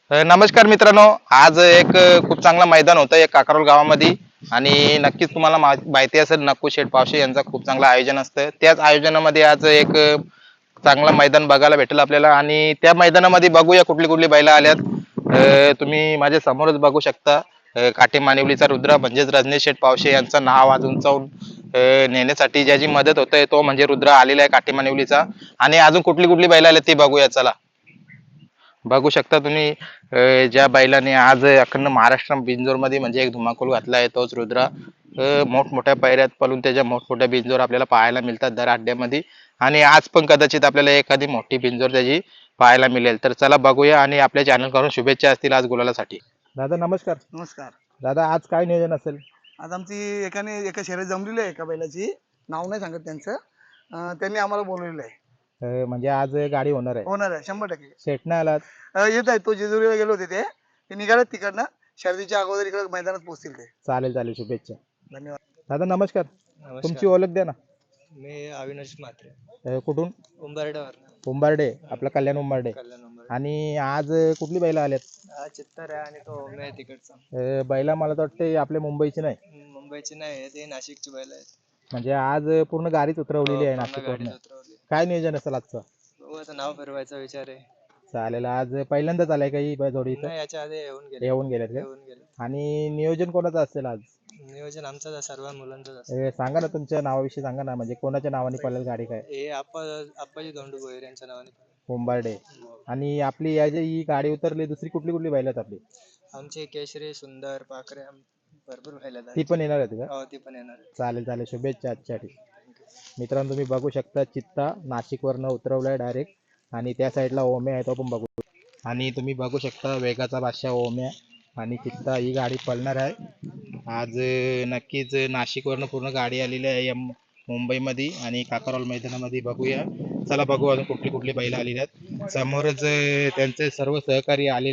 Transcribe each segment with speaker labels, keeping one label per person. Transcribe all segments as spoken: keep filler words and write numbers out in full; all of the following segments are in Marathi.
Speaker 1: अ, नमस्कार मित्रांनो. आज एक अ, खूप चांगला मैदान होतं एक काकारोल गावामध्ये आणि नक्कीच तुम्हाला मा माहिती असेल नक्कू शेठ पावशे यांचं खूप चांगलं आयोजन असतं. त्याच आयोजनामध्ये आज एक अ, चांगलं मैदान बघायला भेटेल आपल्याला आणि त्या मैदानामध्ये बघूया कुठली कुठली बैलं आल्यात. अ, तुम्ही माझ्या समोरच बघू शकता. अ, काटे मानिवलीचा रुद्र म्हणजेच रजनीश शेठ पावशे यांचं नाव आज उंचावून अ, नेण्यासाठी ज्याची मदत होते तो म्हणजे रुद्र आलेला आहे काटे मानिवलीचा आणि अजून कुठली कुठली बैलं आल्यात ती बघूया चला. बघू शकता तुम्ही अ, ज्या बैलाने आज अखंड महाराष्ट्र बिनजोरमध्ये म्हणजे एक धुमाकूल घातला आहे तोच रुद्रा. अ, मोठमोठ्या पायऱ्यात पळून त्याच्या मोठमोठ्या बिनजोर आपल्याला पाहायला मिळतात दर अड्ड्यामध्ये आणि आज पण कदाचित आपल्याला एखादी मोठी बिनजोर त्याची पाहायला मिळेल. तर चला बघूया आणि आपल्या चॅनल करून शुभेच्छा असतील आज गुलालासाठी. दादा नमस्कार.
Speaker 2: नमस्कार.
Speaker 1: दादा आज काय नियोजन असेल?
Speaker 2: आज आमची एकाने एका शहरात जमलेली आहे एका बैलाची, नाव नाही सांगत त्यांचं. अं, त्यांनी आम्हाला बोलवलेलं आहे.
Speaker 1: अ, म्हणजे आज गाडी होणार आहे.
Speaker 2: होणार आहे शंभर टक्के.
Speaker 1: सेट नाही आलात?
Speaker 2: अं, येत आहे, तो जेजुरीला गेले होते ते ते निघालेत तिकडनं. शर्दीच्या अगोदर इकडे मैदानात पोहोचतील ते.
Speaker 1: चालेल चालेल शुभेच्छा.
Speaker 2: धन्यवाद.
Speaker 1: दादा नमस्कार.
Speaker 3: नमस्कार.
Speaker 1: तुमची ओळख द्या ना.
Speaker 3: मी अविनाश म्हात्रे,
Speaker 1: अ, कुठून?
Speaker 3: उंबरड्यावर
Speaker 1: उंबारडे, आपला कल्याण उंबारडे.
Speaker 3: कल्याण उंबरडे.
Speaker 1: आणि आज कुठली बैल आल्यात?
Speaker 3: हा चित्तर आहे आणि तो ओमे आहे तिकडचा.
Speaker 1: अ, बैला मला तर वाटते आपल्या मुंबईची नाही,
Speaker 3: हम्म, मुंबईची नाही, ते नाशिकची बैल आहेत.
Speaker 1: म्हणजे आज पूर्ण गाडीच उतरवलेली आहे
Speaker 3: हो, पूर्ण
Speaker 1: नाशिकवरून.
Speaker 3: गाडीत उतरवली.
Speaker 1: काय नियोजन असेल आजचं?
Speaker 3: बघू आता नाव फिरवायचा विचार आहे.
Speaker 1: चालेल. आज पहिल्यांदाच आलाय का ही बै- जोडी इथं?
Speaker 3: नाही, याच्या आधी येऊन गेले
Speaker 1: येऊन गेल्यात का?
Speaker 3: येऊन गेले.
Speaker 1: आणि नियोजन कोणाचं असेल आज?
Speaker 3: नियोजन आमचं आहे, सर्व मुलांचंच असतं.
Speaker 1: अ, सांगा ना तुमच्या नावाविषयी सांगा ना, म्हणजे कोणाच्या नावाने पळेल गाडी काय?
Speaker 3: हे आप्पा आप्पाजी धोंडू भोईर यांच्या नावाने.
Speaker 1: उंबारडे. आणि आपली या जी ही गाडी उतरली दुसरी कुठली कुठली बैल आहेत आपली?
Speaker 3: आमचे केशरी, सुंदर, पाखरे आम- भरपूर बैल आहेत.
Speaker 1: ती पण येणार आहेत का?
Speaker 3: हो, ती पण येणार आहे.
Speaker 1: चालेल चालेल शुभेच्छा आजच्यासाठी. मित्रांनो तुम्ही बघू शकता चित्ता नाशिकवरनं उतरवलाय डायरेक्ट आणि त्या साईडला ओम्या आहे तो पण बघू. आणि तुम्ही बघू शकता वेगाचा बादशाह ओम्या आणि चित्ता ही गाडी पळणार आहे आज. अं, नक्कीच नाशिकवरनं पूर्ण गाडी आलेली आहे या मु- मुंबईमध्ये आणि काकारोल मैदानामध्ये बघूया. चला बघू अजून कुठली कुठली बैल आलेली आहेत. समोरच अं, त्यांचे सर्व सहकारी आलेले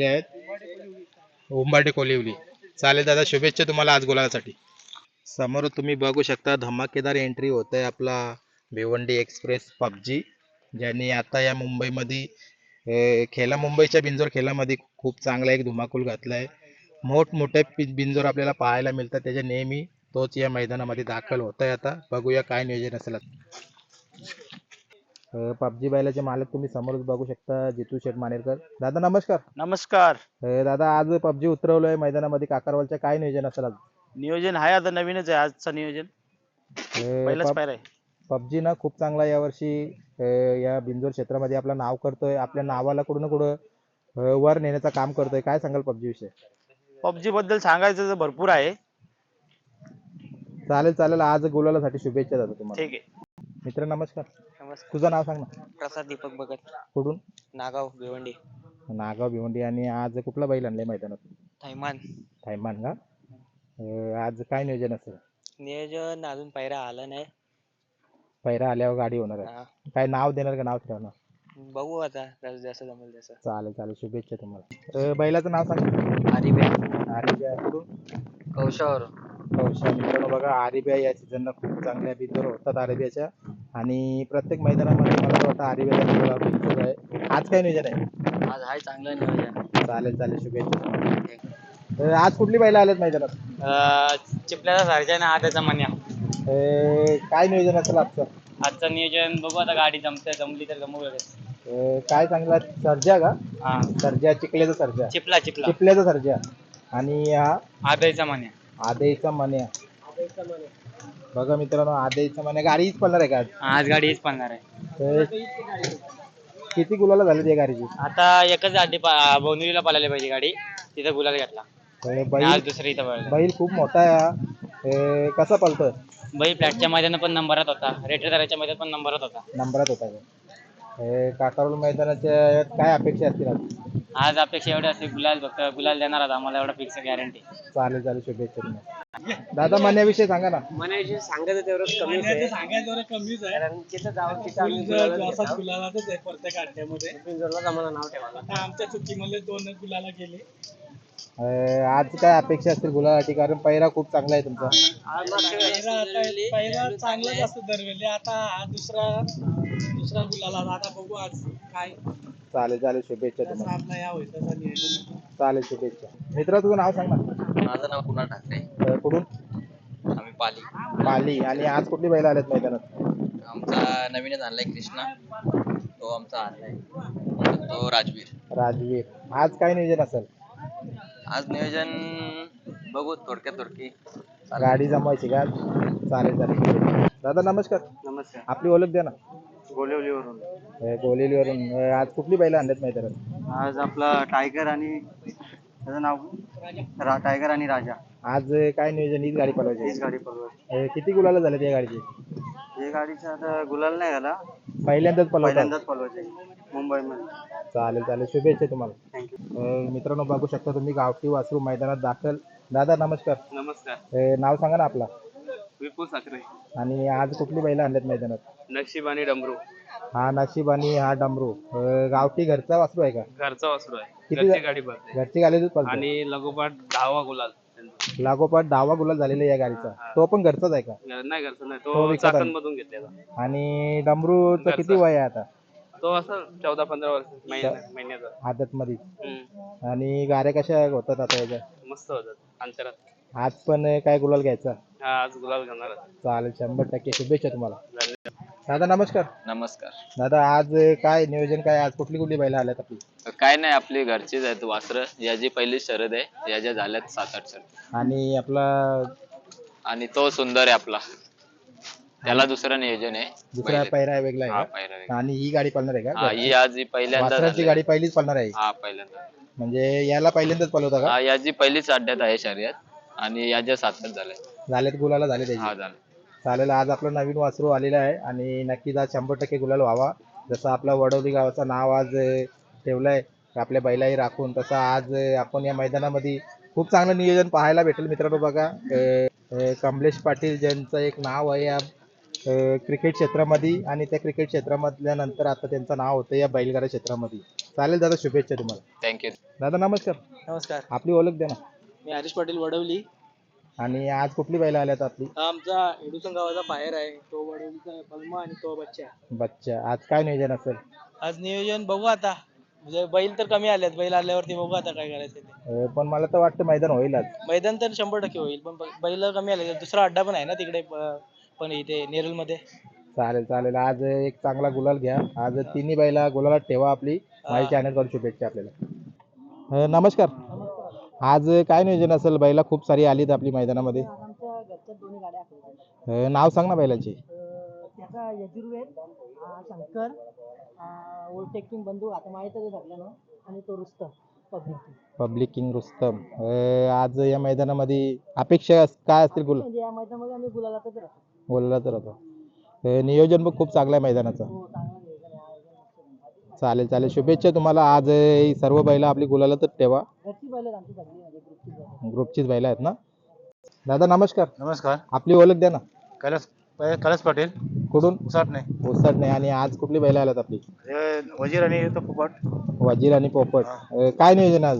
Speaker 1: आहेत उंबाटे कोलिवली. चालेल दादा शुभेच्छा तुम्हाला आज गुलालासाठी. समोर तुम्ही बघू शकता धमाकेदार एंट्री होत आहे आपला भिवंडी एक्सप्रेस पबजी, ज्यांनी आता या मुंबईमध्ये अं, खेला मुंबईच्या बिंजोर खेळामध्ये खूप चांगला एक धुमाकूल घातला आहे. मोठमोठे पि- बिंजोर आपल्याला पाहायला मिळतात त्याच्या नेहमी तोच या मैदानामध्ये दाखल होत आहे. आता बघूया काय नियोजन असेल. पबजी बैलाचे मालक तुम्ही समोरच बघू शकता जितू शेठ मानेरकर. दादा नमस्कार.
Speaker 4: नमस्कार.
Speaker 1: अं, दादा आज पबजी उतरवलोय मैदानामध्ये काकारवालच्या काय नियोजन असेल आज?
Speaker 4: नियोजन आहे आता नवीनच आहे आजचं नियोजन. पहिलाच पायरा आहे.
Speaker 1: पबजी ना खूप चांगला यावर्षी अं, या बिंजोर क्षेत्रामध्ये आपलं नाव करतोय, आपल्या नावाला कुठं ना कुठं अं, वर नेण्याचं काम करतोय. काय सांगाल पबजी विषयी?
Speaker 4: पबजी बद्दल सांगायचं तर भरपूर आहे.
Speaker 1: चालेल चालेल आज गुलालासाठी शुभेच्छा दादा तुम्हाला.
Speaker 4: ठीक आहे.
Speaker 1: मित्र नमस्कार.
Speaker 3: नमस्कार.
Speaker 1: तुझं नाव सांग ना.
Speaker 3: प्रसाद दीपक भगत,
Speaker 1: कुठून?
Speaker 3: नागाव भिवंडी.
Speaker 1: नागाव भिवंडी. आणि आज कुठला बैल आणलाय मैदानात?
Speaker 3: थैमान.
Speaker 1: थायमान का? अं, आज काय नियोजन असेल?
Speaker 3: नियोजन अजून पायरा आला नाही.
Speaker 1: पहिरा आल्यावर गाडी होणार आहे.
Speaker 3: हा,
Speaker 1: काय नाव देणार का नाव ठेवणार?
Speaker 3: बघू आता जसं जसं जमेल तसं.
Speaker 1: चालेल चालेल शुभेच्छा तुम्हाला. अं, बैलाचं नाव सांग.
Speaker 3: आरिबे,
Speaker 1: आरिब्या कुठून?
Speaker 3: कौशावर.
Speaker 1: कौशा. मित्रांनो बघा आरिब्या या सीझनला खूप चांगल्या बिंजोर होतात आरिब्याच्या आणि प्रत्येक मैदानामध्ये मला तर वाटतं आरिब्याचा बिंजोर आहे. आज काय नियोजन आहे?
Speaker 3: आज आहे चांगलं नियोजन.
Speaker 1: चालेल चालेल शुभेच्छा तुम्हाला. अं, आज कुठली बैल आलेत मैदानात?
Speaker 3: चिपल्याचा सारख्या ना आताचा मन्या.
Speaker 1: अं, काय नियोजन असेल आजचं?
Speaker 3: आजचं नियोजन बघू आता, गाडी जमते, जमली तर जमू.
Speaker 1: अं, काय चांगला सर्जा का?
Speaker 3: हा,
Speaker 1: सर्जा चिखल्याचा सर्जा.
Speaker 3: चिपला चिपला.
Speaker 1: चिखल्याचा सर्जा. आणि हा
Speaker 3: आदयचा मन्या.
Speaker 1: आदेचा मन्या. बघा मित्रांनो आदेचा मन्या गाडीच पळणार आहे का आज?
Speaker 3: आज गाडी हीच पळणार आहे.
Speaker 1: अं, किती गुलाला झाली या गाडीची?
Speaker 3: आता एकच आधी बोनिवलीला पळाली पाहिजे गाडी, तिथं गुलाल घेतला.
Speaker 1: अं,
Speaker 3: आणि
Speaker 1: बैल
Speaker 3: आज दुसरी इथं पळाली.
Speaker 1: बैल खूप मोठा आहे हा. अं, कसा पळतोय?
Speaker 3: बैल फ्लॅटच्या मैदानात पण नंबरात होता, रेटरच्या मैदानात पण नंबरात होता.
Speaker 1: नंबरात होता का? अं, काकारोल मैदानाच्या यात काय अपेक्षा असतील आज?
Speaker 3: आज अपेक्षा एवढी असते, गुलाल फक्त गुलाल देणार आता आम्हाला, एवढा फिक्स गॅरंटी.
Speaker 1: चालेल चालेल शुभेच्छा तुम्हाला. दादा मन्याविषयी सांगा ना.
Speaker 3: मनाविषयी सांगायचं तेवढं कमीच आहे.
Speaker 2: सांगायचं कमीच आहे.
Speaker 3: कारण तिथं जाऊन तिथं आम्ही गुलालच घेतो.
Speaker 2: गुलालातच आहे प्रत्येक अड्ड्यामध्ये.
Speaker 3: पिंजोरलाच आम्हाला नाव ठेवायला.
Speaker 2: आता आमच्या चुकीमध्ये दोन गुलाला गेले.
Speaker 1: अं, आज काय अपेक्षा असतील गुलासाठी, कारण पहिरा खूप चांगला आहे तुमचा.
Speaker 3: आज मागच्या वेळेस
Speaker 2: पहिला आता
Speaker 3: दिलेली-
Speaker 2: पहिला चांगलाच असतो दरवेळी. आता हा दुसरा दुसरा गुलाला. आता बघू आज काय
Speaker 1: चालेल चालेल शुभेच्छा तुम्हाला. चालेल शुभेच्छा. मित्रा तुझं नाव सांग ना.
Speaker 3: माझं नाव कुणाल ठाकरे.
Speaker 1: अं, कुठून?
Speaker 3: आम्ही पाली.
Speaker 1: पाली. आणि आज कुठली बैल आल्यात मैदानात?
Speaker 3: आमचा नवीनच आणलाय कृष्णा, तो आमचा आणलाय तो राजवीर.
Speaker 1: राजवीर. आज काय नियोजन असेल?
Speaker 3: आज नियोजन बघू थोडक्यात थोडकी.
Speaker 1: गाडी जमवायची का? चालेल चालेल. दादा नमस्कार.
Speaker 4: नमस्कार.
Speaker 1: आपली ओळख द्या ना.
Speaker 4: गोलेवलीवरून.
Speaker 1: अं, गोलेलीवरून. अं, आज कुठली बैल आणल्यात मैदानात?
Speaker 4: आज आपला टायगर आणि त्याचं नाव रा टायगर आणि राजा
Speaker 1: आज काय नियोजन? हीच गाडी पळवायची?
Speaker 4: हीच गाडी पळवायची.
Speaker 1: अं, किती गुलाला झाले त्या गाडीची?
Speaker 4: हे गाडीचा आता गुलाल नाही झाला,
Speaker 1: पहिल्यांदाच पळवतात?
Speaker 4: पहिल्यांदाच पळवायची मुंबईमध्ये.
Speaker 1: चालेल चालेल शुभेच्छा तुम्हाला.
Speaker 4: थँक्यू.
Speaker 1: अं, मित्रांनो बघू शकता तुम्ही गावठी वासरू मैदानात दाखल. दादा नमस्कार.
Speaker 4: नमस्कार.
Speaker 1: अं, नाव सांगा ना आपला.
Speaker 4: विपुल साखरे.
Speaker 1: आणि आज कुठली बैल आणल्यात मैदानात?
Speaker 4: नक्षीब आणि डमरू.
Speaker 1: हा नशीब आणि हा डमरू. अं, गावठी घरचा वासरू आहे का?
Speaker 4: घरचा वासरू आहे.
Speaker 1: किती
Speaker 4: घरची गाडी पळते
Speaker 1: घरची गाडीच पळतो?
Speaker 4: आणि लगोपाठ दहावा गुलाल त्यांचा.
Speaker 1: लागोपाठ दहावा गुलाल झालेला या गाडीचा. तो पण घरचाच आहे का?
Speaker 4: नाही घरचा नाही,
Speaker 1: तो
Speaker 4: तो
Speaker 1: विकत आण-
Speaker 4: चाकणमधून घेतलेला.
Speaker 1: आणि डमरूचं
Speaker 4: घरचा.
Speaker 1: किती वय आहे आता?
Speaker 4: तो असं चौदा पंधरा वर्ष महिन्या महिन्याचा.
Speaker 1: आदत मध्ये.
Speaker 4: हम्म.
Speaker 1: आणि गाड्या कशा होतात आता याच्या?
Speaker 4: मस्त होतात अंतरात.
Speaker 1: आज पण काय गुलाल घ्यायचा?
Speaker 4: हा आज गुलाल घेणार.
Speaker 1: चालेल शंभर टक्के शुभेच्छा तुम्हाला. दादा नमस्कार.
Speaker 3: नमस्कार.
Speaker 1: दादा आज काय नियोजन काय? आज कुठली कुठली बैल आल्यात आपली?
Speaker 3: काय नाही आपली घरचीच आहेत वासरं. याची पहिली शरद आहे, याच्या झाल्यात सात आठ शरद.
Speaker 1: आणि आपला
Speaker 3: आणि तो सुंदर आहे आपला, त्याला दुसरं नियोजन आहे.
Speaker 1: दुसरा
Speaker 3: पहिले-
Speaker 1: पैरा वेगळा
Speaker 3: हा
Speaker 1: आहे का?
Speaker 3: पहिला वेगळा.
Speaker 1: आणि ही गाडी पळणार आहे
Speaker 3: हा
Speaker 1: का?
Speaker 3: ही आज ही पहिल्यांदा
Speaker 1: वासराची
Speaker 3: झाली.
Speaker 1: गाडी पहिलीच पळणार आहे?
Speaker 3: हा पहिल्यांदा.
Speaker 1: म्हणजे याला पहिल्यांदाच पळवता का?
Speaker 3: हा याची पहिलीच अड्ड्यात आहे शर्यत आणि याच्या सातच झालंय.
Speaker 1: झालेत गुलाला झाले त्याची?
Speaker 3: हा झालं.
Speaker 1: चालेल. आज आपलं नवीन वासरू आलेलं आहे आणि नक्कीच आज शंभर टक्के गुलाल व्हावा. जसं आपला वडवली गावाचं नाव आज अं, ठेवलंय आपल्या बैलाही राखून, तसं आज अं, आपण या मैदानामध्ये खूप चांगलं नियोजन पाहायला भेटेल. मित्रांनो बघा अं, अं, कमलेश पाटील ज्यांचं एक नाव आहे या अं, क्रिकेट क्षेत्रामध्ये, आणि त्या क्रिकेट क्षेत्रामधल्या नंतर आता त्यांचं नाव होतं या बैलगाडा क्षेत्रामध्ये. चालेल दादा शुभेच्छा तुम्हाला.
Speaker 3: थँक्यू.
Speaker 1: दादा नमस्कार.
Speaker 4: नमस्कार.
Speaker 1: आपली ओळख द्या ना.
Speaker 4: मी हरीश पाटील वडवली.
Speaker 1: आणि आज कुठली बैल आल्यात आपली?
Speaker 4: हा आमचा एडुसन गावाचा बाहेर आहे, तो वडवलीचा पल्मा आणि तो बच्चा.
Speaker 1: बच्चा. आज काय नियोजन असेल?
Speaker 4: आज नियोजन बघू आता, म्हणजे बैल तर कमी आलेत, बैल आल्यावरती बघू आता काय करायचं ते.
Speaker 1: अं, पण मला तर वाटतं मैदान होईल आज.
Speaker 4: मैदान तर शंभर टक्के होईल, पण ब- बैल कमी आले. दुसरा अड्डा पण आहे ना तिकडे प- पण इथे नेरुल मध्ये.
Speaker 1: चालेल चालेल. आज एक चांगला गुलाल घ्या. आज तिन्ही बैला गुलालात ठेवा. आपली माझ्या चॅनल कडून शुभेच्छा आपल्याला. अं, नमस्कार. आज काय नियोजन असेल? बैला खूप सारी आलीत आपली मैदानामध्ये.
Speaker 5: आमच्या घरच्या दोन्ही गाड्या आहेत.
Speaker 1: अं, नाव सांग ना बैलांची.
Speaker 5: त्याचा यजुर्वेद, अं, शंकर, ओल्टेक किंग बंधू आता माहीतच आहे सगळ्यांना, आणि तो Rustam public.
Speaker 1: Public king Rustam. अं, आज या मैदानामध्ये अपेक्षा काय असतील? गुल
Speaker 5: म्हणजे या मैदानामध्ये आम्ही गुलालातच राहतो.
Speaker 1: बोलला तर आता अं, नियोजन पण खूप चांगलं आहे मैदानाचं.
Speaker 5: हो चांगला नियोजन आहे, आयोजन मस्त आहे.
Speaker 1: चालेल चालेल शुभेच्छा तुम्हाला. आज अं, ही सर्व बैला आपली गुलालातच ठेवा.
Speaker 5: घरची बैल आहेत आमची सगळी, म्हणजे ग्रुपची बैल.
Speaker 1: ग्रुपचीच बैला आहेत ना. दादा नमस्कार.
Speaker 4: नमस्कार.
Speaker 1: आपली ओळख द्या ना.
Speaker 4: कैलास कैलास पाटील
Speaker 1: कुठून?
Speaker 4: उसाट नाही.
Speaker 1: ओसर नाही. आणि आज कुठली बैला आल्यात आपली?
Speaker 4: वजीर आणि तो पोपट.
Speaker 1: वजीर आणि पोपट. अं, काय नियोजन आज?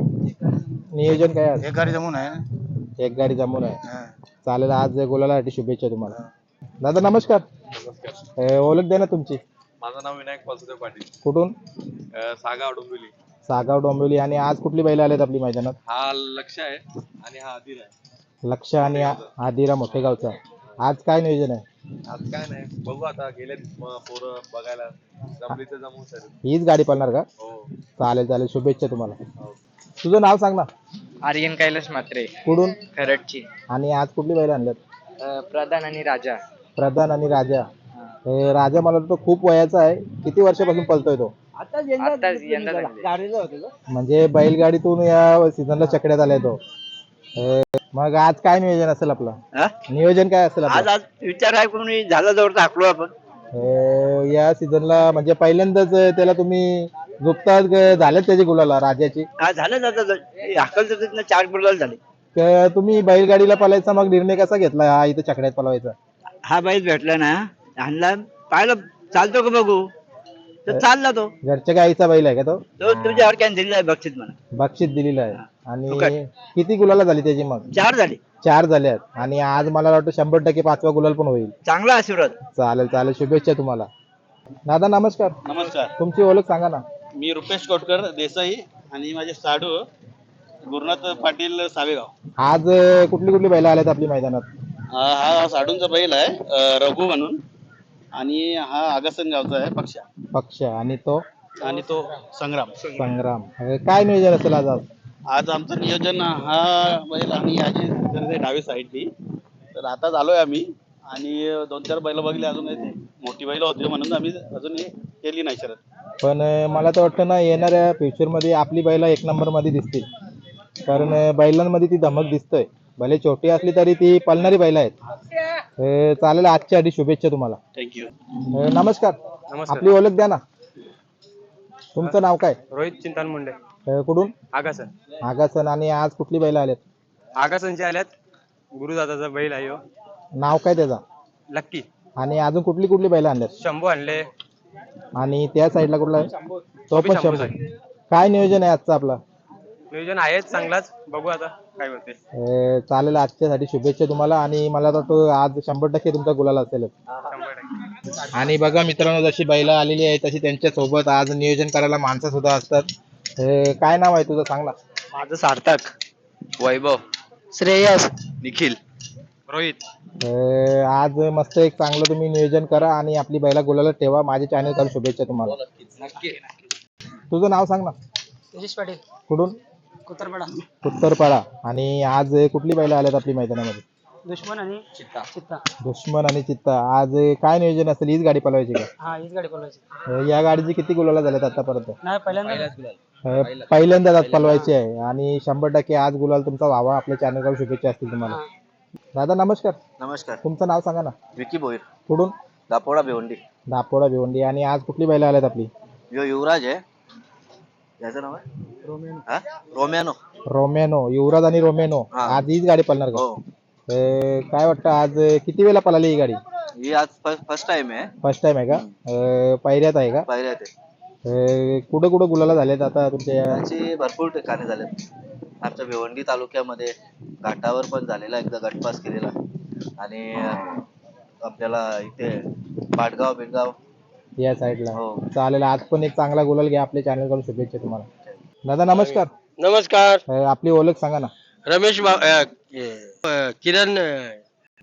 Speaker 1: नियोजन काय आज?
Speaker 4: एक गाडी जमून आहे.
Speaker 1: एक गाडी जमून आहे. चालेल. आज गुलालासाठी शुभेच्छा तुम्हाला. दादा नमस्कार. अं, ओळख द्या ना तुमची.
Speaker 6: माझं नाव विनायक वासुदेव पाटील.
Speaker 1: कुठून?
Speaker 6: अं, सागाव डोंबिवली.
Speaker 1: सागाव डोंबिवली. आणि आज कुठली बैल आल्यात आपली मैदानात?
Speaker 6: हा लक्ष आहे आणि हा अधीर आहे.
Speaker 1: लक्ष आणि आ- आदिरा मोठेगावचा. आज काय नियोजन आहे?
Speaker 6: आज काय नाही बघू आता, गेलेत म- पोरं बघायला, जमली तर जमू सर.
Speaker 1: हीच गाडी पळणार का?
Speaker 6: हो.
Speaker 1: चालेल चालेल शुभेच्छा तुम्हाला. तुझं नाव सांग ना.
Speaker 3: आर्यन कैलास मात्रे,
Speaker 1: कुठून?
Speaker 3: खरडची.
Speaker 1: आणि आज कुठली बैल आणल्यात?
Speaker 3: प्रधान आणि राजा.
Speaker 1: प्रधान आणि राजा. अं, राजा मला वाटतं खूप वयाचा आहे. किती वर्षापासून पळतोय तो?
Speaker 5: आता यंदा
Speaker 3: आत्ताच यंदा झाले.
Speaker 5: गाडीला होते का?
Speaker 1: म्हणजे बैलगाडीतून या सीझनला चकड्यात आलाय तो. अं, मग आज काय नियोजन असेल आपलं? नियोजन काय असेल
Speaker 7: आज
Speaker 1: आपलं?
Speaker 7: आज विचार आहे करून झाला जवळ टाकलो आपण.
Speaker 1: अं, या सीझनला म्हणजे पहिल्यांदाच त्याला तुम्ही गुप्ता झालेत त्याची गुलाला राजाची.
Speaker 7: हा झालं जातं हाकल जातात चार गुलाल झाले.
Speaker 1: तर तुम्ही बैलगाडीला पळायचा मग निर्णय कसा घेतला हा इथं चकड्यात पळवायचा?
Speaker 7: हा बैल भेटला ना, आणला पाहिलं चालतो का बघू, तर चालला तो.
Speaker 1: घरच्या गाईचा बैल आहे का तो?
Speaker 7: तो तुझ्यावर कॅन्सल आहे बक्षीस म्हणा.
Speaker 1: बक्षीस दिलेलं आहे.
Speaker 7: फुकट.
Speaker 1: आणि किती गुलाला झाली त्याची मग?
Speaker 7: चार झाले.
Speaker 1: चार झाल्यात. आणि आज मला वाटतं शंभर टक्के पाचवा गुलाल पण होईल.
Speaker 7: चांगला आशीर्वाद.
Speaker 1: चालेल चालेल शुभेच्छा तुम्हाला. दादा नमस्कार.
Speaker 4: नमस्कार.
Speaker 1: तुमची ओळख सांगा ना.
Speaker 8: मी रुपेश कोटकर देसाई आणि माझे साडू गुरुनाथ पाटील सावेगाव.
Speaker 1: आज अं, कुठली कुठली बैल आल्यात आपली मैदानात?
Speaker 8: हा हा साडूंचा बैल आहे अं, रघु म्हणून, आणि हा आगासन गावचा आहे पक्षा,
Speaker 1: पक्ष आणि तो
Speaker 8: आणि तो संग्राम.
Speaker 1: संग्राम. अं, काय नियोजन असेल आज आज?
Speaker 8: आज आमचं नियोजन हा बैल आणि याची करते डावी साईडनी. तर आता आलोय आम्ही आणि दोन चार बैल बघले, अजून ते मोठी बैल होती म्हणून आम्ही अजून हे केली नाही शरद.
Speaker 1: पण अं, मला तर वाटतं ना येणाऱ्या फ्युचर मध्ये आपली बैला एक नंबर मध्ये दिसतील, कारण अं, बैलांमध्ये ती धमक दिसतोय. भले छोटी असली तरी ती पळणारी बैल आहेत. अं, चालेल, आजच्या आधी शुभेच्छा तुम्हाला.
Speaker 8: थँक्यू.
Speaker 1: अं, नमस्कार. आपली ओळख द्या ना. तुमचं नाव काय?
Speaker 9: रोहित चिंतान मुंडे.
Speaker 1: अं, कुठून?
Speaker 9: आगासन.
Speaker 1: आगासन. आणि आज कुठली बैल आल्यात?
Speaker 9: आगासनचे आल्यात. गुरुदादाचा बैल आहे ह्यो.
Speaker 1: नाव काय त्याचा?
Speaker 9: लक्की.
Speaker 1: आणि अजून कुठली कुठली बैल आणल्यात?
Speaker 9: शंभू आणले.
Speaker 1: आणि त्या साईडला कुठला आहे? तो पण
Speaker 9: शंभूच
Speaker 1: शंभू. काय नियोजन आहे आजचं आपलं?
Speaker 9: नियोजन आहेच चांगलाच, बघू आता काय होते.
Speaker 1: अं, चालेल, आजच्यासाठी शुभेच्छा तुम्हाला. आणि मला वाटतं आज शंभर टक्के तुमचा गुलाल असेल.
Speaker 9: शंभर टक्के.
Speaker 1: आणि बघा मित्रांनो, जशी बैलं आलेली आहे तशी त्यांच्या सोबत आज नियोजन करायला माणसं सुद्धा असतात. अं, काय नाव आहे तुझं, सांग ना.
Speaker 9: माझं सार्थक.
Speaker 3: वैभव,
Speaker 5: श्रेयस.
Speaker 3: निखिल,
Speaker 9: रोहित.
Speaker 1: अं, आज मस्त एक चांगलं तुम्ही नियोजन करा आणि आपली बैला गुलाला ठेवा. माझ्या चॅनल कडून शुभेच्छा तुम्हाला.
Speaker 3: नक्की.
Speaker 1: तुझं नाव सांग ना.
Speaker 5: तेजस पाटील.
Speaker 1: कुठून?
Speaker 5: कुतरपाडा.
Speaker 1: उत्तरपाडा. आणि आज कुठली बैलं आल्यात आपली मैदानामध्ये?
Speaker 5: दुश्मन आणि
Speaker 3: चित्ता.
Speaker 5: चित्ता.
Speaker 1: दुश्मन आणि चित्ता. आज काय नियोजन असेल? हीच गाडी पळवायची का?
Speaker 5: हा हीच गाडी बोलवायची.
Speaker 1: अं, या गाडीची किती गुलाला झाल्यात आतापर्यंत?
Speaker 5: नाही पहिल्यांदा
Speaker 1: अं, पहिल्यांदाच आज पळवायची आहे आणि शंभर टक्के आज गुलाल तुमचा व्हावा. आपल्या चॅनल कडून शुभेच्छा असतील तुम्हाला. दादा नमस्कार.
Speaker 3: नमस्कार.
Speaker 1: तुमचं नाव सांगा ना.
Speaker 3: विकी भोईर,
Speaker 1: कुठून?
Speaker 3: दापोडा भिवंडी.
Speaker 1: दापोडा भिवंडी. आणि आज कुठली बैल आल्यात आपली?
Speaker 3: यो युवराज आहे, याचं नाव आहे रोमॅनो.
Speaker 1: रोमेनो. युवराज आणि रोमेनो.
Speaker 3: हा.
Speaker 1: आज हीच गाडी पळणार का?
Speaker 3: हो,
Speaker 1: अं, काय वाटतं आज किती वेळा पळाली ही गाडी?
Speaker 3: ही आज फर्स्ट टाइम आहे.
Speaker 1: फर्स्ट टाइम आहे का? अं, पहिऱ्यात आहे का?
Speaker 3: पायऱ्या ते
Speaker 1: अं, कुठं कुठं गुलाला झालेत आता तुमच्या या?
Speaker 3: त्याची भरपूर ठिकाणी झाले. आमच्या भिवंडी तालुक्यामध्ये घाटावर पण झालेला, एकदा गटपास केलेला, आणि अं, आपल्याला इथे पाटगाव बिडगाव.
Speaker 1: या साईडला.
Speaker 3: हो.
Speaker 1: चालेल, आज पण एक चांगला गुलाल घ्या. आपल्या चॅनल कडून शुभेच्छा तुम्हाला. दादा नमस्कार.
Speaker 9: नमस्कार.
Speaker 1: अं, आपली ओळख सांगा ना.
Speaker 9: रमेश बा अ, अ, किरण अ,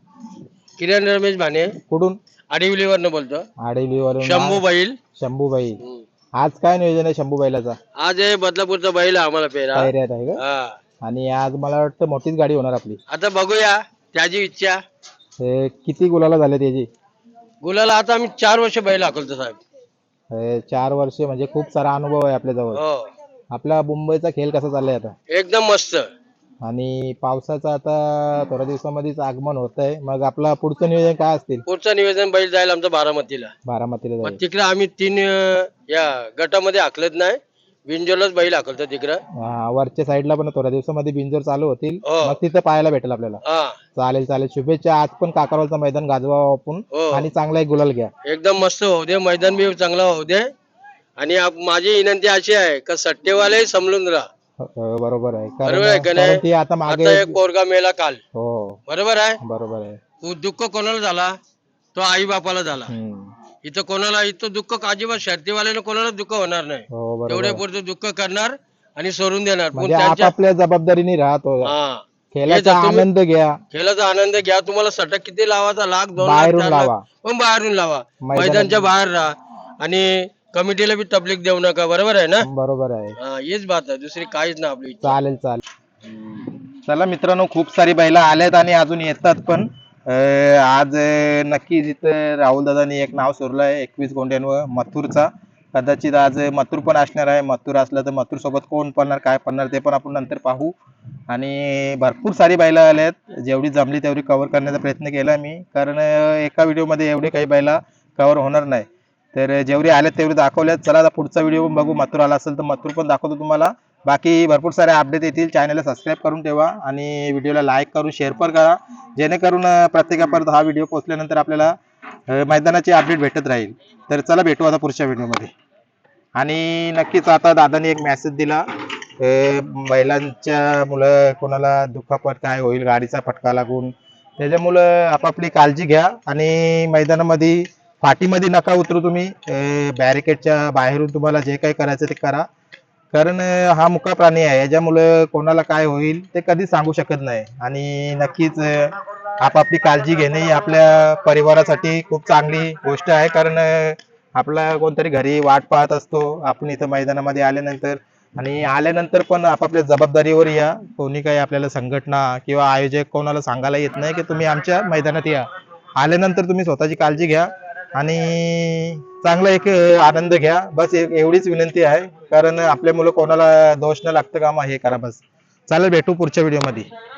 Speaker 9: किरण रमेश भाने.
Speaker 1: कुठून?
Speaker 9: आडिवलीवरनं बोलतो.
Speaker 1: आडेलीवरून.
Speaker 9: शंभू बैल.
Speaker 1: शंभूबाई. आज काय नियोजन आहे शंभू बैलाचा?
Speaker 9: आज हे बदलापूरचा बैल आहे आम्हाला पेरा.
Speaker 1: पायऱ्यात आहे का?
Speaker 9: हा.
Speaker 1: आणि आज मला वाटतं मोठीच गाडी होणार आपली.
Speaker 9: आता बघूया त्याची इच्छा.
Speaker 1: अं, किती गुलाला झाले त्याची?
Speaker 9: गुलाला आता आम्ही चार वर्ष बैल हाकलतो साहेब.
Speaker 1: अं, चार वर्ष म्हणजे खूप सारा अनुभव आहे आपल्या जवळ.
Speaker 9: हो,
Speaker 1: आपला मुंबईचा खेळ कसा चाललाय आता?
Speaker 9: एकदम मस्त.
Speaker 1: आणि पावसाचं आता थोड्या दिवसामध्येच आगमन होत आहे. मग आपला पुढचं नियोजन काय असतील?
Speaker 9: पुढचं निवेदन बैल जाईल आमचं बारामतीला.
Speaker 1: बारामतीला
Speaker 9: मग
Speaker 1: जाईल.
Speaker 9: तिकडे आम्ही तीन अ, या गटामध्ये हाकलत नाही, बिनजोलच बैल हाकलतो तिकडं.
Speaker 1: हा, वरच्या साईडला पण थोड्या दिवसामध्ये बिंजोर चालू होतील.
Speaker 9: हो.
Speaker 1: मग तिथं पाहायला भेटेल आपल्याला.
Speaker 9: हा,
Speaker 1: चालेल चालेल, शुभेच्छा. आज पण काकारवालचं मैदान गाजवा आपण
Speaker 9: हो.
Speaker 1: आणि चांगला एक गुलाल घ्या.
Speaker 9: एकदम मस्त होऊ दे, मैदान बी चांगला होऊ दे. आणि आप- माझी विनंती अशी आहे का सट्टेवाले समजून राहा.
Speaker 1: हो, बरोबर आहे.
Speaker 9: बरोबर आहे का
Speaker 1: कारण
Speaker 9: नाही?
Speaker 1: कारण ती आता मागे.
Speaker 9: आता एक पोरगा मेला काल,
Speaker 1: हो,
Speaker 9: बरोबर आहे.
Speaker 1: बरोबर आहे.
Speaker 9: उ- दुःख कोणाला झाला? तो आई बापाला झाला.
Speaker 1: हम्म.
Speaker 9: इथं कोणाला इथं दुःख अजिबात शर्तीवाल्यानं कोणाला दुःख होणार नाही.
Speaker 1: हो, बरोबर
Speaker 9: तेवढे
Speaker 1: आहे.
Speaker 9: पुरतं दुःख करणार आणि सोडून देणार. पण
Speaker 1: म्हणजे
Speaker 9: त्यांच्या
Speaker 1: आपापल्या जबाबदारीने राहतो.
Speaker 9: हा,
Speaker 1: खेळाचा
Speaker 9: हे जर तुम्ही-
Speaker 1: आनंद घ्या.
Speaker 9: खेळाचा आनंद घ्या. तुम्हाला सटक किती लावायचा, लाख दोन लाख
Speaker 1: बाहेरून
Speaker 9: चार लाख,
Speaker 1: लावा.
Speaker 9: पण बाहेरून लावा.
Speaker 1: मैदानात-
Speaker 9: मैदानच्या बाहेर राहा आणि कमिटीला बी तबलीक देऊ नका. बरोबर आहे ना?
Speaker 1: बरोबर आहे.
Speaker 9: हा, हीच बात आहे, दुसरी काहीच ना आपली.
Speaker 1: चालेल चालेल. चला मित्रांनो, खूप सारी बैला आल्यात आणि अजून येतात पण. अं, आज अं, नक्की जिथं राहुल दादांनी एक नाव सोडलं आहे एकवीस गोंड्यांवर मथुरचा. कदाचित आज मथुर पण असणार आहे. मथुर असलं तर मथुर सोबत कोण पडणार, काय पडणार ते पण आपण नंतर पाहू. आणि भरपूर सारी बैला आल्यात. जेवढी जमली तेवढी कव्हर करण्याचा प्रयत्न केला मी, कारण अं, एका व्हिडिओमध्ये एवढे काही बैला कव्हर होणार नाही. तर जेवढे आल्यात तेवढे दाखवल्यात. चला आता पुढचा व्हिडिओ पण बघू. मथुर आला असेल तर मथुर पण दाखवतो तुम्हाला. बाकी भरपूर सारे अपडेट येतील. चॅनलला सबस्क्राईब करून ठेवा आणि व्हिडिओला लाईक करून शेअर पण करा, जेणेकरून अं, प्रत्येकापर्यंत हा व्हिडिओ पोहोचल्यानंतर आपल्याला अं, मैदानाची अपडेट भेटत राहील. तर चला भेटू आता पुढच्या व्हिडिओमध्ये. आणि नक्कीच आता दादाने एक मेसेज दिला, अं, बैलांच्या मुलं कोणाला दुखापत काय होईल, गाडीचा फटका लागून, त्याच्यामुळं आपापली काळजी घ्या आणि मैदानामध्ये पाठीमध्ये नका उतरू तुम्ही, बॅरिकेडच्या बाहेरून तुम्हाला जे काही करायचं ते करा. कारण अं, हा मुका प्राणी आहे, याच्यामुळे कोणाला काय होईल ते कधी सांगू शकत नाही. आणि नक्कीच अं, आपापली काळजी घेणे ही आपल्या परिवारासाठी खूप चांगली गोष्ट आहे. कारण अं, आपला कोणतरी घरी वाट पाहत असतो आपण इथं मैदानामध्ये आल्यानंतर. आणि आल्यानंतर पण आपापल्या जबाबदारीवर या. कोणी काही आपल्याला संघटना किंवा आयोजक कोणाला सांगायला येत नाही की तुम्ही आमच्या मैदानात या. आल्यानंतर तुम्ही स्वतःची काळजी घ्या आणि चांगला एक अं, आनंद घ्या. बस एक एवढीच विनंती आहे. कारण आपल्या मुलं कोणाला दोष न लागतं कामा हे करा बस. चालेल, भेटू पुढच्या व्हिडिओमध्ये.